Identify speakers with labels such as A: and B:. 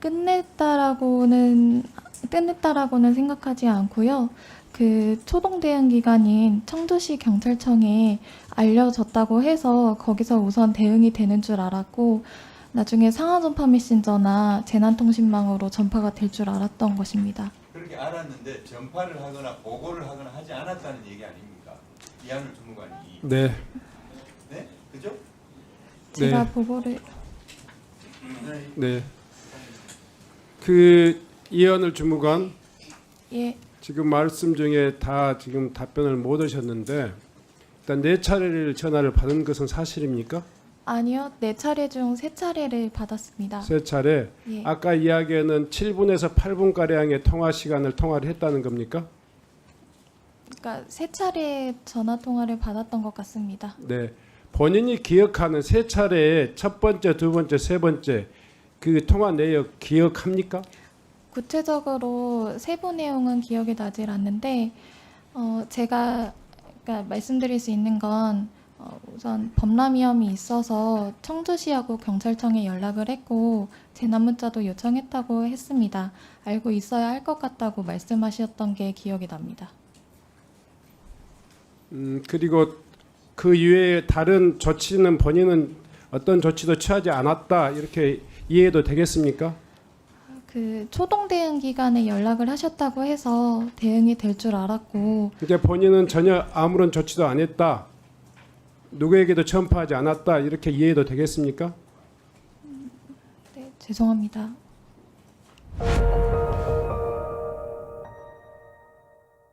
A: 끝냈다라고는 생각하지 않고요. 그 초동 대응 기관인 청주시 경찰청에 알려졌다고 해서 거기서 우선 대응이 되는 줄 알았고 나중에 상하 전파 메신저나 재난통신망으로 전파가 될 줄 알았던 것입니다.
B: 그렇게 알았는데 전파를 하거나 보고를 하거나 하지 않았다는 얘기 아닙니까? 이한울 주무관이.
C: 네.
B: 네? 그죠?
A: 제가
C: 네.
A: 보고를
C: 네. 그 이한울 주무관
A: 예,
C: 지금 말씀 중에 다 지금 답변을 못 하셨는데 일단 4차례를 전화를 받은 것은 사실입니까?
A: 아니요. 4차례 중 3차례를 받았습니다.
C: 3차례.
A: 예.
C: 아까 이야기에는 7분에서 8분 가량의 통화 시간을 통화를 했다는 겁니까?
A: 그러니까 3차례 전화 통화를 받았던 것 같습니다.
C: 네. 본인이 기억하는 3차례의 첫 번째, 두 번째, 세 번째 그 통화 내역 기억합니까?
A: 구체적으로 세부 내용은 기억이 나질 않는데 제가 그러니까 말씀드릴 수 있는 건 우선 범람 위험이 있어서 청주시하고 경찰청에 연락을 했고 재난 문자도 요청했다고 했습니다. 알고 있어야 할 것 같다고 말씀하셨던 게 기억이 납니다.
C: 그리고 그 이외에 다른 조치는 본인은 어떤 조치도 취하지 않았다 이렇게 이해해도 되겠습니까?
A: 그 초동 대응 기관에 연락을 하셨다고 해서 대응이 될 줄 알았고
C: 이제 본인은 전혀 아무런 조치도 안 했다. 누구에게도 전파하지 않았다. 이렇게 이해해도 되겠습니까?
A: 네, 죄송합니다.